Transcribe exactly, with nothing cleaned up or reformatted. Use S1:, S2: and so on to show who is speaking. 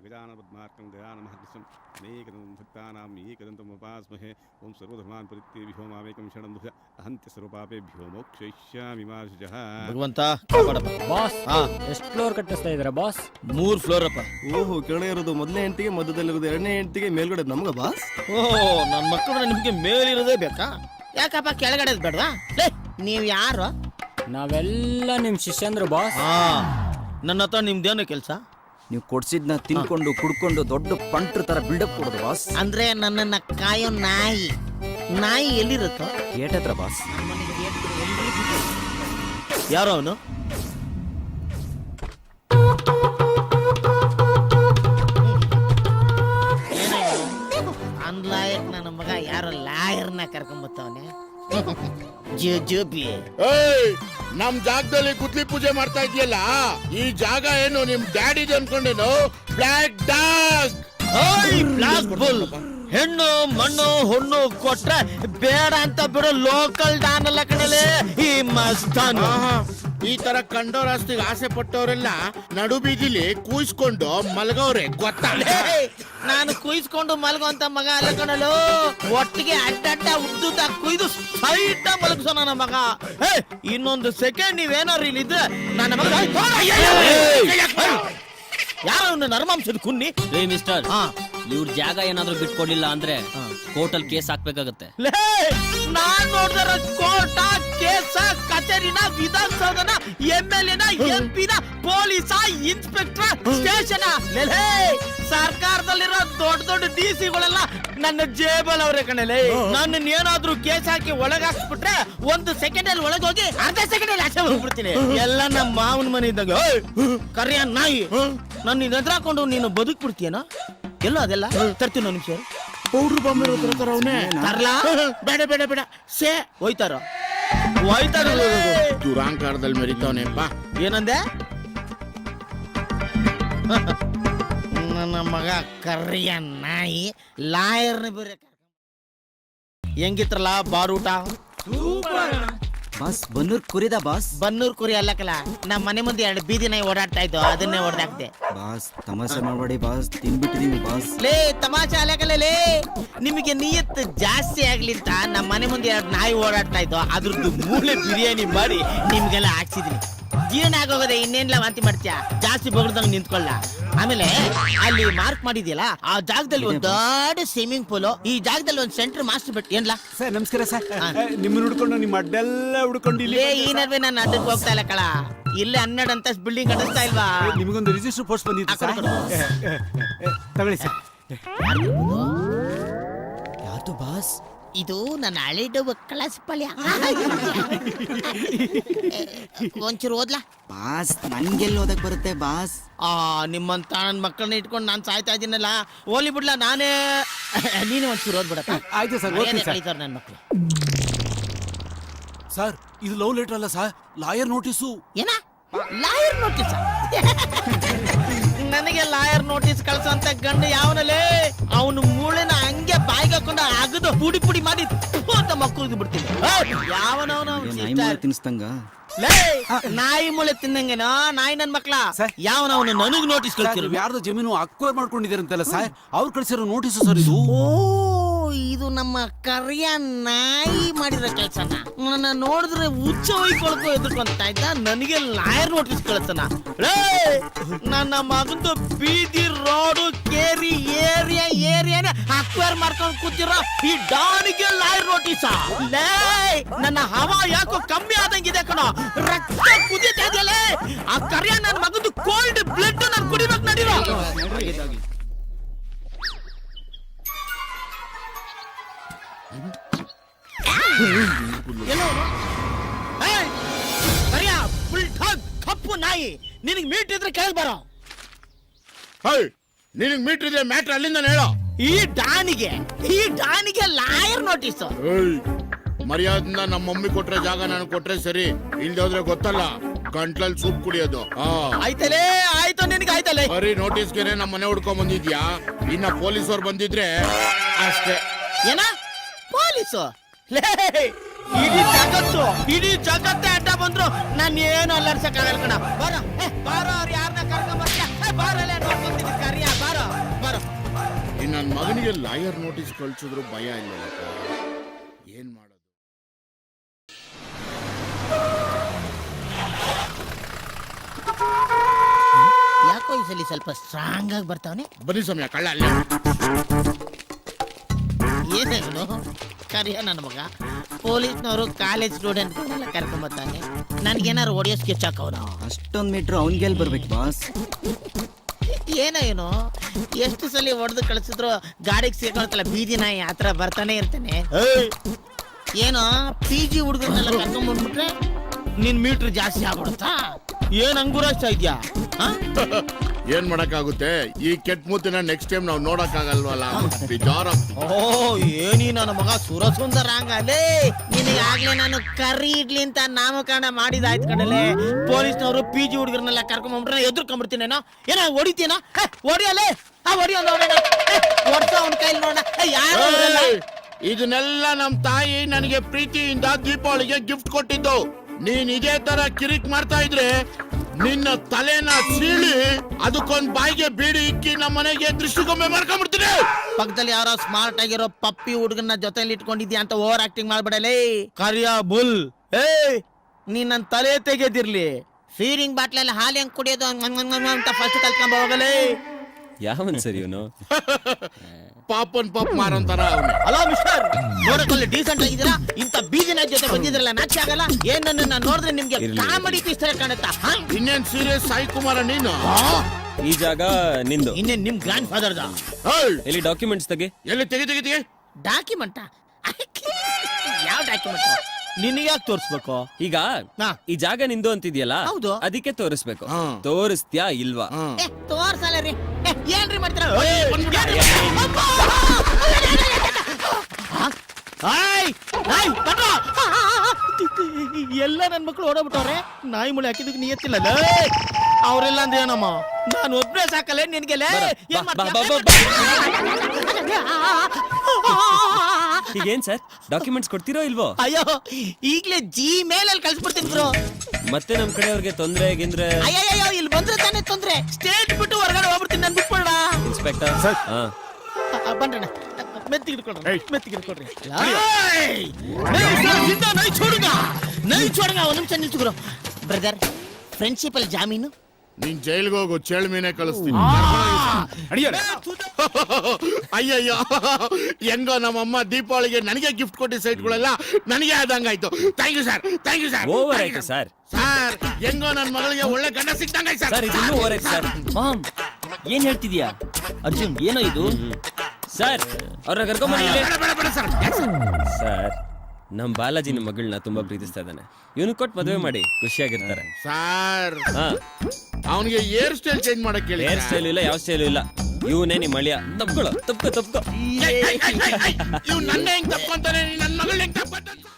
S1: गजाननपद्मार्कं गजाननमहर्निशम् अनेकदं भक्तानां एकदन्तम् उपास्महे ओं सर्वधर्मान् परित्यज्य विभो मामेकं शरणं दश अहन्त्यस्वरूपापेभ्यो मोक्षयिष्यामि मा शुचः.
S2: ಭಗವಂತ
S3: ಬಾಸ್ ಎಷ್ಟು ಫ್ಲೋರ್ ಕಟ್ಟಿಸ್ತಾ ಇದ್ದೀರಾ ಬಾಸ್?
S2: ಮೂರ್ ಫ್ಲೋರ್ ಅಪ್ಪ.
S4: ಓಹೋ, ಕೆಳಗೆ ಇರೋದು ಮೊದಲನೇ ಹೆಂಡತಿಗೆ, ಮಧ್ಯದಲ್ಲಿರೋದು ಎರಡನೇ ಹೆಂಡತಿಗೆ, ಮೇಲ್ಗಡೆ ನಮ್ಗ ಬಾಸ್.
S2: ಓಹೋ, ನನ್ನ ಮಕ್ಕಳು ನಿಮ್ಗೆ ಮೇಲಿರೋದೇ ಬೇಕಾ? ಯಾಕಪ್ಪ ಕೆಳಗಡೆ ಬೇಡವಾ? ನೀವ್ ಯಾರು?
S3: ನಾವೆಲ್ಲ ನಿಮ್ ಶಿಷ್ಯಂದ್ರು ಬಾಸ್.
S2: ಹಾ, ನನ್ನ ಹತ್ರ ನಿಮ್ದೇನು ಕೆಲಸ?
S4: ನೀವು ಕೊಡ್ಸಿದ್ನ ತಿನ್ಕೊಂಡು ಕುಡ್ಕೊಂಡು ದೊಡ್ಡ ಪಂಟ್ರ ತರ ಬಿಲ್ಡಪ್ ಕೊಡೋದು ಬಾಸ್.
S2: ಅಂದ್ರೆ ನನ್ನನ್ನ ಕಾಯೋ ನಾಯಿ. ನಾಯಿ ಎಲ್ಲಿರುತ್ತೋ
S4: ಗೇಟ್ ಹತ್ರ ಬಾಸ್.
S2: ಯಾರೋ ಅವನು? ಅನ್ಲಾಯಕ್ ನನ್ನ ಮಗ ಯಾರೋ ಲಾಯರ್ನ ಕರ್ಕೊಂಬತ್ತವನೆ.
S5: ನಮ್ ಜಾಗದಲ್ಲಿ ಗುದ್ಲಿ ಪೂಜೆ ಮಾಡ್ತಾ ಇದೆಯಲ್ಲ, ಈ ಜಾಗ ಏನು ನಿಮ್ ಡ್ಯಾಡಿದು ಅನ್ಕೊಂಡೇನು? Black dog,
S2: black bull. ಹೆಣ್ಣು ಮಣ್ಣು ಹುಣ್ಣು ಕೊಟ್ರೆ ಬೇಡ ಅಂತ ಬಿಡೋ ಲೋಕಲ್ ಡಾನ್ ಅಲ್ಲ ಕಣಲೆ ಈ ಮಸ್ತಾನ್.
S5: ಈ ತರ ಕಂಡೋರ್ ಆಸ್ತಿಗೆ ಆಸೆ ಪಟ್ಟವರೆಲ್ಲ ನಡು ಬೀದಿಲಿ ಕೂಯಿಸ್ಕೊಂಡು ಮಲಗವ್ರೆ, ಗೊತ್ತಾ?
S2: ನಾನು ಕುಯ್ಸ್ಕೊಂಡು ಮಲಗೋ ಅಂತ ಮಗ ಅಲ್ಲ ಕಣಲು. ಒಟ್ಟಿಗೆ ಅಡ್ಡಡ್ಡ ಉದ್ದುದ್ದ ಕುಯ್ದು ಸೈಟ ಮಲಗಿಸೋ ನನ್ನ ಮಗ. ಇನ್ನೊಂದು ಸೆಕೆಂಡ್ ನೀವೇನಾರು ಇಲ್ಲಿದ್ರೆ ನನ್ನ ಮಗ ಯಾರು ನರ್ಮಾಂಸದ ಕುನ್ನಿ.
S6: ರೇ ಮಿಸ್ಟರ್, ಇವ್ರ ಜಾಗ ಏನಾದ್ರೂ ಬಿಟ್ಕೊಡ್ಲಿಲ್ಲ ಅಂದ್ರೆ ಕೋರ್ಟಲ್ ಕೇಸ್ ಹಾಕ್ಬೇಕಾಗತ್ತೆ.
S2: ನಾನ್ ನೋಡಿದ್ರ ಕೋರ್ಟ, ಕೇಸ, ಕಚೇರಿನ, ವಿಧಾನಸೌಧನ, ಎಂ ಎಲ್ ಎನ, ಎಂ ಪಿನ, ಪೊಲೀಸ, ಇನ್ಸ್ಪೆಕ್ಟರ್, ಸ್ಟೇಷನ್, ಸರ್ಕಾರದಲ್ಲಿರೋ ದೊಡ್ಡ ದೊಡ್ಡ ಡಿ ಸಿಗಳೆಲ್ಲ ನನ್ನ ಜೇಬಲ್ ಅವ್ರೆ ಕಣಲೆ. ನನ್ನ ಏನಾದ್ರೂ ಕೇಸ್ ಹಾಕಿ ಒಳಗ್ ಹಾಕ್ಸ್ಬಿಟ್ರೆ ಒಂದು ಸೆಕೆಂಡ್ ಅಲ್ಲಿ ಒಳಗೋಗಿ ಅರ್ಧ ಸೆಕೆಂಡ್ ಅಲ್ಲಿ ಆಚೆ ಹೋಗ್ಬಿಡ್ತೀನಿ. ಎಲ್ಲ ನಮ್ಮ ಮಾವನ ಮನೆ ಇದ್ದಾಗ ಕರಿಯ ನಾಯಿ ನನ್ನ ಎದುರಾಕೊಂಡು ನೀನು ಬದುಕ್ಬಿಡ್ತೀಯನ? ಎಲ್ಲ ಅದೆಲ್ಲ ತರ್ತೀನಿ ನಿಮಿಷ.
S5: ಪೌಡ್ರು ಬಾಂಬೆ ಅವನೇ
S2: ತರ್ಲಾ? ಬೇಡ ಬೇಡ ಬೇಡ ಸೇ ಹೋಯ್ತಾರ ಹೋಯ್ತಾರ
S5: ದುರಾಂಕಾರದಲ್ಲಿ ಮೆರಿತವನೆ. ಬಾ.
S2: ಏನಂದೆ? ನನ್ನ ಮಗ ಕರಿಯ ನಾಯಿ ಲಾಯರ್ನ ಬೇರೆ ಹೆಂಗಿತ್ರಲ್ಲ ಬಾರೂಟ?
S4: ಬಾಸ್ ಬನ್ನೂರ್ ಕುರಿದ ಬಾಸ್.
S2: ಬನ್ನೂರ್ ಕುರಿ ಅಲ್ಲಕಲ್ಲ, ನಮ್ಮ ಮನೆ ಮುಂದೆ ಎರಡು ಬೀದಿ ನಾಯಿ ಓಡಾಡ್ತಾ ಇದ್ದು, ಅದನ್ನೇ ಹೊಡೆದಾಕ್ದೆ.
S4: ಬಾಸ್ ತಮಾಷೆ ಮಾಡಬೇಡಿ ಬಾಸ್, ತಿನ್ಬಿಟ್ಟಿದೀವಿ ಬಾಸ್.
S2: ಲೇ ತಮಾಷೆ ಅಲ್ಲಕಲ್ಲ ಲೇ, ನಿಮಗೆ ನಿಯತ್ ಜಾಸ್ತಿ ಆಗ್ಲಿ ಅಂತ ನಮ್ಮ ಮನೆ ಮುಂದೆ ಎರಡು ನಾಯಿ ಓಡಾಡ್ತಾ ಇದ್ದು, ಅದ್ರದ್ದು ಮೂಳೆ ಬಿರಿಯಾನಿ ಮಾಡಿ ನಿಮ್ಗೆಲ್ಲ ಹಾಕ್ಸಿದ್ರಿ. ಜೀರ್ಣ ಆಗೋಗದೆ, ಇನ್ನೇನ್ಲ ವಾಂತಿ ಮಾಡ್ತೀಯ? ಜಾಸ್ತಿ ಬಗ್ದಂಗ್ ನಿಂತ್ಕೊಳ್ಳ. ಆಮೇಲೆ ಅಲ್ಲಿ ಮಾರ್ಕ್ ಮಾಡಿದ್ಯಲ್ಲ, ಆ ಜಾಗದಲ್ಲಿ ಒಂದು ದೊಡ್ಡ ಸ್ವಿಮ್ಮಿಂಗ್ ಪೂಲ್, ಈ ಜಾಗದಲ್ಲಿ ಒಂದು ಸೆಂಟರ್ ಮಾಸ್ಟರ್ ಬೆಟ್. ಏನ್ಲ
S1: ಸರ್ ನಮಸ್ಕಾರ ಸರ್. ನಿಮ್ಮನ್ನ ಹುಡ್ಕೊಂಡು ನಿಮ್ಮ ಅಡ್ಡೆಲ್ಲ ಹುಡ್ಕೊಂಡು ಇಲ್ಲಿ
S2: ಈ ನಡುವೆ ನಾನು ಅಡ್ಡಕ್ಕೆ ಹೋಗ್ತಾ ಇಲ್ಲ ಕಳ. ಇಲ್ಲೇ ಹನ್ನೆರಡು ಅಂತ ಬಿಲ್ಡಿಂಗ್ ಕಟ್ಟಿಸ್ತಾ ಇಲ್ವಾ?
S1: ನಿಮಗೊಂದು ರಿಜಿಸ್ಟರ್ ಪೋಸ್ಟ್ ಬಂದಿತ್ತು ಸರ್, ತಗೊಳ್ಳಿ ಸರ್.
S4: ಯಾವುದು ಬಾಸ್?
S2: ಇದು ನನ್ನ ಹಳೆದು ಕಳಸ ಪಲ್ಯ. ಒಂಚೂರು ಓದ್ಲಾ
S4: ಬಾಸ್? ನಂಗೆಲ್ಲಿ ಓದಕ್ ಬರುತ್ತೆ ಬಾಸ್?
S2: ಆ ನಿಮ್ಮಂತ ನನ್ನ ಮಕ್ಕಳನ್ನ ಇಟ್ಕೊಂಡು ನಾನು ಸಾಯ್ತಾ ಇದ್ದೀನಲ್ಲ, ಓಲಿ ಬಿಡ್ಲಾ ನಾನೇ. ನೀನು ಒಂಚೂರು ಓದ್ಬಿಡತ್ತ?
S1: ಆಯ್ತು ಸರ್,
S2: ಕಳೀತಾರ ನನ್ನ ಮಕ್ಕಳು.
S7: ಸರ್, ಇದು ಲವ್ ಲೆಟರ್ ಅಲ್ಲ ಸರ್, ಲಾಯರ್ ನೋಟಿಸು.
S2: ಏನ ಲಾಯರ್ ನೋಟಿಸ್? ನನಗೆ ಲಾಯರ್ ನೋಟಿಸ್ ಕಳ್ಸಂತ ಗಂಡು ಯಾವನಲ್ಲೇ? ಅವನು ಮೂಳೆನ ಹಂಗೆ ಬಾಯಿಗೆ ಹಾಕೊಂಡು ಅಗದು ಪುಡಿ ಪುಡಿ ಮಾಡಿ ಅಂತ ಮಕ್ಕಳಿಗೆ ಬಿಡ್ತೀನಿ. ಯಾವನವನು
S4: ತಿನ್ಸ್ತಂಗ
S2: ನಾಯಿ ಮೂಳೆ ತಿನ್ನಂಗೆನೋ ನಾಯಿ ನನ್ ಮಕ್ಳ. ಯಾವನವನು ನನಗ್ ನೋಟಿಸ್ ಕಳ್ಸಿರೋ?
S7: ಯಾರ್ದು ಜಮೀನು ಅಕ್ವೈರ್ ಮಾಡ್ಕೊಂಡಿದ್ದೀರಂತಲ್ಲ ಸರ್, ಅವ್ರು ಕಳ್ಸಿರೋ ನೋಟಿಸ್ ಸರ್ ಇದು.
S2: ಓ, ಇದು ನಮ್ಮ ಕರಿಯ ನಾಯಿ ಮಾಡಿರೋ ಕೆಲ್ಸನ. ನನ್ನ ನೋಡಿದ್ರೆ ಹುಚ್ಚ ಹೊಯ್ಕೊಳಕೋ ಎದುರ್ಕೊಂತ ಇದ್ದ, ನನಗೆ ಲಾಯರ್ ನೋಟಿಸ್ ಕಳ್ಸನ. ನನ್ನ ಮಗಂದು ಬೀದಿ ರೋಡು ಕೇರಿ ಏರಿಯಾ ಏರಿಯಾನೆ ಅಕ್ವೈರ್ ಮಾಡ್ಕೊಂಡು ಕೂತಿರೋ ಈ ಡಾನಿಗೆ ಲಾಯರ್ ನೋಟಿಸ್. ಲೇ ನನ್ನ ಹವಾ ಯಾಕೋ ಕಮ್ಮಿ ಆದಂಗಿದೆ ಕಣೋ, ರಕ್ತ ಕುದೀತಾ ಇದೆಯಲ್ಲೇ. ಆ ಕರಿಯ ನನ್ನ ಮಗಂದು ಕೋಲ್ಡ್ ಬ್ಲಡ್ ನಾನು ಕುಡಿಬೇಕು ನಡೀರೋ. ಕಪ್ಪು ನಾಯಿ, ನಿನಗ್ ಮೀಟ್ ಇದ್ರೆ ಕೆಳಗೆ ಬರೋ.
S5: ನಿನಗ್ ಮೀಟರ್ ಇದೆ, ಮ್ಯಾಟ್ರ್ ಅಲ್ಲಿಂದ ಹೇಳೋ.
S2: ಈ ಡಾನಿಗೆ ಈ ಡಾನಿಗೆ ಲಾಯರ್ ನೋಟಿಸ್.
S5: ಮರ್ಯಾದಿಂದ ನಮ್ಮ ಮಮ್ಮಿ ಕೊಟ್ರೆ ಜಾಗ ನಾನು ಕೊಟ್ರೆ ಸರಿ, ಇಲ್ದೆ ಹೋದ್ರೆ ಗೊತ್ತಲ್ಲ ಗಂಟ್ಲಲ್ಲಿ ಸೂಪ್ ಕುಡಿಯೋದು.
S2: ಆಯ್ತಲೇ ಆಯ್ತು, ನಿನಗೆ ಆಯ್ತಲ್ಲ.
S5: ಬರೀ ನೋಟಿಸ್ಗೆನೆ ನಮ್ಮ ಮನೆ ಹುಡ್ಕೊಂಡ್ ಬಂದಿದ್ಯಾ? ಇನ್ನ ಪೊಲೀಸವ್ರು ಬಂದಿದ್ರೆ ಅಷ್ಟೇ.
S2: ಏನ ಪೊಲೀಸು? ಇಡೀ ಜಗತ್ತು ಇಡೀ ಜಗತ್ತೇ ಅಡ್ಡ ಬಂದ್ರು ನಾನು ಏನು ಅಲ್ಲರ್ಸಕ್ಕಾಗಲ್ಲ ಕಣ. ಬಾರೋ ಬಾರೋ, ಅವ್ರು ಯಾರನ್ನ ಕರ್ಕೊಂಡ್ ಬರ್ತೀಯ? ಬಾರಲ್ಲೇ ನೋಡ್ಕೊಂತೀನಿ ಕರಿಯ ಬಾರೋ.
S5: ಮಗನಿಗೆ ಲಾಯರ್ ನೋಟಿಸ್ ಕಳ್ಸಿದ್ರು ಭಯ ಇಲ್ಲ. ಏನ್ ಮಾಡೋದು?
S2: ಯಾಕೋ ಈ ಸಲ ಸ್ವಲ್ಪ ಸ್ಟ್ರಾಂಗ್ ಆಗಿ ಬರ್ತಾವನೆ.
S5: ಬನ್ನಿ ಸಮಯ ಕಳ್ಳ ಅಲ್ಲೇ.
S2: ಏನೇನು ಕರಿಯ ನನ್ನ ಮಗ ಪೊಲೀಸ್ನವರು ಕಾಲೇಜ್ ಸ್ಟೂಡೆಂಟ್ಗಳನ್ನೆಲ್ಲ ಕರ್ಕೊಂಬರ್ತಾನೆ. ನನ್ಗೇನಾರು ಹೊಡಿಯೋ ಸ್ಕೆಚ್ ಹಾಕವನು.
S4: ಅಷ್ಟೊಂದ್ ಮೀಟ್ರ್ ಅವ್ನಿಗೆಲ್ ಬರ್ಬೇಕು ಬಾಸ್?
S2: ಏನೋ ಏನೋ ಎಷ್ಟು ಸಲ ಹೊಡೆದು ಕಳಿಸಿದ್ರು ಗಾಡಿಗೆ ಸೇರ್ಕೊಳ್ತಲ್ಲ ಬೀದಿ ನಾಯಿ ಆತರ ಬರ್ತಾನೆ ಇರ್ತಾನೆ. ಏನೋ ಪಿ ಜಿ ಹುಡುಗರನ್ನೆಲ್ಲ ಕರ್ಕೊಂಡ್ಬಂದ್ಬಿಟ್ರೆ ನಿನ್ ಮೀಟ್ರ್ ಜಾಸ್ತಿ ಆಗ್ಬಿಡುತ್ತಾ? ಏನ್ ಅಂಗುರಾಷ್ಟ ಇದ್ಯಾ?
S5: ಏನ್ ಮಾಡಕ್ಕಾಗುತ್ತೆ? ಈ ಕೆಟ್ಟ ಮೂತಿನ ನೆಕ್ಸ್ಟ್ ಟೈಮ್ ನಾವು ನೋಡಕ್ ಆಗಲ್ವಲ್ಲ. ಬೇಜಾರ.
S2: ಓ ಏನಿ ನನ್ನ ಮಗ ಸುರಸುಂದರ ಹಂಗಲೇ. ನಿನಗೆ ಆಗ್ಲೇ ನಾನು ಕರಿ ಇಡ್ಲಿ ಅಂತ ನಾಮಕರಣ ಮಾಡಿದಾಯ್ತು ಕಣಲೆ. ಪೊಲೀಸ್ನವರು ಪಿ ಜಿ ಹುಡುಗರನ್ನೆಲ್ಲ ಕರ್ಕೊಂಡ್ಬಿಟ್ರೆ ಎದುರ್ಕೊಂಡ್ಬಿಡ್ತೀನೇನೋ. ಏನೋ ಹೊಡಿತೀನೋ? ಹೊಡಿಯಲ್ಲೇ ಆ ಹೊಡಿಯೋ ನೋಡೋಣ. ಹೊಡ್ಸ ಅವನ ಕೈಲಿ ನೋಡೋಣ. ಯಾರು
S5: ಇದನ್ನೆಲ್ಲ ನಮ್ ತಾಯಿ ನನಗೆ ಪ್ರೀತಿಯಿಂದ ದೀಪಾವಳಿಗೆ ಗಿಫ್ಟ್ ಕೊಟ್ಟಿದ್ದು. ನೀನ್ ಇದೇ ತರ ಕಿರಿಕ್ ಮಾಡ್ತಾ ಇದ್ರೆ ನಿನ್ನ ತಲೆನ ಸೀಳಿ ಅದಕ್ಕೊಂದ್ ಬಾಯಿಗೆ ಬೀಡಿ ಇಕ್ಕಿ ನಮ್ಮ ಮನೆಗೆ ದೃಷ್ಟಿಗೊಮ್ಮೆ ಮಾಡ್ಕೊಂಡ್ಬಿಡ್ತೀನಿ.
S2: ಪಕ್ಕದಲ್ಲಿ ಯಾರೋ ಸ್ಮಾರ್ಟ್ ಆಗಿರೋ ಪಪ್ಪಿ ಹುಡುಗನ ಜೊತೆಲಿ ಇಟ್ಕೊಂಡಿದ್ಯಾ ಅಂತ ಓವರ್ ಆಕ್ಟಿಂಗ್ ಮಾಡ್ಬಿಡಲೇ. ಕರಿಯ ಬುಲ್ ಏ ನೀನ್ ನನ್ ತಲೆ ತೆಗೆದಿರ್ಲಿ. ಫೀರಿಂಗ್ ಬಾಟ್ಲಲ್ಲಿ ಹಾಲು ಹೆಂಗ್ ಕುಡಿಯೋದು ಅಂತ ಫಸ್ಟ್ ಕಲ್ತ್ಕೊಂಡ್ ಹೋಗಲೇ.
S6: ಯಾವನ್ ಸರಿ ಇವನು?
S5: ಪಾಪನ್ ಪಾಪ್ ಮಾರಂತಾರ ಅವನೇ.
S2: ಹಲೋ ಮಿಸ್ಟರ್, ನೋಡಕ್ಕಲ್ಲಿ ಡೀಸೆಂಟ್ ಆಗಿದ್ದೀರಾ? ಇಂತ ಬೀದಿನ ಜೊತೆ ಬಂದಿದ್ರಲ್ಲ ನಾಚಿ ಆಗಲ್ಲ? ಏನ್ ನನ್ನ ನೋಡಿದ್ರೆ ನಿಮ್ಗೆ ಕಾಮಿಡಿ ಪೀಸ್ ತರ ಕಾಣುತ್ತಾ?
S5: ಇನ್ನೇನ್ ಸೀರಿಯಸ್ ಸಾಯಿ ಕುಮಾರ ನೀನು?
S6: ಈ ಜಾಗ ನಿಂದು.
S2: ಇನ್ನೇನ್ ನಿಮ್ ಗ್ರ್ಯಾಂಡ್ ಫಾದರ್ದ?
S6: ಎಲ್ಲಿ ಡಾಕ್ಯುಮೆಂಟ್ಸ್ ತೆಗಿ.
S5: ಎಲ್ಲಿ ತೆಗಿ ತೆಗಿ ತೆಗಿ.
S2: ಡಾಕ್ಯುಮೆಂಟ್? ಯಾವ ಡಾಕ್ಯುಮೆಂಟ್? ನಿನಗೆ ಯಾಕೆ ತೋರಿಸ್ಬೇಕು?
S6: ಈಗ ಈ ಜಾಗ ನಿಂದು ಅಂತಿದ್ಯಲ್ಲ,
S2: ಹೌದು.
S6: ಅದಕ್ಕೆ ತೋರಿಸ್ಬೇಕು.
S5: ಹಾ.
S6: ತೋರಿಸ್ತ್ಯಾ ಇಲ್ವಾ?
S2: ಏ ತೋರ್ಸಲ್ಲ ರೀ. ಏ, ಏನ್ರಿ ಮಾಡ್ತೀರ? ಎಲ್ಲ ನನ್ ಮಕ್ಳು ಓಡೋಗ್ಬಿಟ್ಟವ್ರೆ. ನಾಯಿ ಮುಳಿ ಹಾಕಿದಕ್ಕೆ ನಿಯತ್ತಿಲ್ಲ. ಅವ್ರೆಲ್ಲ ಅಂದ್ರೆ ಏನಮ್ಮ? ನಾನು ಒಬ್ನೇ ಸಾಕಲ್ಲ ನಿನ್ಗೆಲ್ಲ. ಏನ್
S6: ಬಾ, ಬಾ, ಬಾ, ಈಗೇನ್ ಸರ್ ಡಾಕ್ಯುಮೆಂಟ್ಸ್ ಕೊಡ್ತೀರೋ ಇಲ್ವೋ?
S2: ಅಯ್ಯೋ ಈಗ್ಲೇ ಜಿ ಮೇಲ್ ಅಲ್ಲಿ ಕಳ್ಸ್ಬಿಡ್ತೀನಿ ಬ್ರೋ.
S6: ಮತ್ತೆ ನಮ್ ಕಡೆಯವ್ರಿಗೆ ತೊಂದ್ರೆ ಗಿಂದ್ರೆ?
S2: ಅಯ್ಯಯ್ಯೋ ಇಲ್ಲಿ ಬಂದ್ರೆ ತಾನೇ ತೊಂದ್ರೆ. ಸ್ಟೇಟ್ ಬಿಟ್ಟು ಹೊರಗಡೆ ಹೋಗ್ಬಿಡ್ತೀನಿ. ನನ್ ಬಿಟ್ಬಿಡ
S6: ಇನ್ಸ್ಪೆಕ್ಟರ್. ಹಾ
S2: ಬನ್ರಣ್ಣ, ಮೆತ್ತಿಗೆ ಹಿಡ್ಕೊಳ್ರಿ, ಮೆತ್ತಿಗೆ ಹಿಡ್ಕೊಳ್ರಿ. ನೈ ಚೋಡಂಗ ಒಂದ್ ನಿಮಿಷ ನಿಲ್ಸುಗ್ರು. ಬ್ರದರ್, ಫ್ರೆಂಡ್ಶಿಪ್ ಅಲ್ಲಿ ಜಾಮೀನು?
S5: ನೀನ್ ಜೈಲ್ಗೆ ಹೋಗು, ಚೇಳ್ ಮೀನೆ ಕಳಿಸ್ತೀನಿ. ಅಯ್ಯಯ್ಯೋ, ಹೆಂಗೋ ನಮ್ಮಮ್ಮ ದೀಪಾವಳಿಗೆ ನನಗೆ ಗಿಫ್ಟ್ ಕೊಟ್ಟಿ ಸೈಟ್ಗಳೆಲ್ಲ ನನಗೆ ಆದಂಗಾಯ್ತು. Thank you sir, thank you sir.
S6: Over ಆಯ್ತು ಸರ್.
S5: ಸರ್ ಹೆಂಗೋ ನನ್ನ ಮಗಳಿಗೆ ಒಳ್ಳೆ ಗಂಡ ಸಿಕ್ತಂಗಾಯ್ತು ಸರ್.
S6: ಸರ್ ಇದು ಓವರ್ ಆಯ್ತು ಸರ್.
S4: ಮಾಮ್ ಏನ್ ಹೇಳ್ತಿದ್ಯಾ ಅರ್ಜುನ್? ಏನೋ ಇದು?
S6: ಸರ್ ಅವ್ರನ್ನ ಕರ್ಕೊಂಬನ್ನಿ.
S5: ಬೇಡ ಬೇಡ ಬೇಡ ಸರ್.
S6: ಸರ್ ನಮ್ ಬಾಲಾಜಿ ನಿಮ್ಮ ಮಗಳನ್ನ ತುಂಬಾ ಪ್ರೀತಿಸ್ತಾ ಇದ್ದಾನೆ. ಇವನು ಕೊಟ್ಟು ಮದುವೆ ಮಾಡಿ ಖುಷಿಯಾಗಿರ್ತಾರೆ.
S5: ಸರ್
S6: ಹಾ,
S5: ಅವನಿಗೆ ಹೇರ್ ಸ್ಟೈಲ್ ಚೇಂಜ್ ಮಾಡಕ್ ಹೇಳಿ.
S6: ಹೇರ್ ಸ್ಟೈಲ್ ಇಲ್ಲ, ಯಾವ ಸ್ಟೈಲು ಇಲ್ಲ. ಇವನೇ ನಿಮ್ಮ ಅಳಿಯ. ತಪ್ಕೊಳ್ಳೋ, ತಪ್ಕೋ ತಪ್ಕೋ.
S5: ಇವ್ ನನ್ನ ಹೆಂಗ್ ತಪ್ಕೊಂತಾನೆ, ನನ್ನ ಮಗಳ ಹೆಂಗ್ ತಪ್ಕೊಂತಾನೆ?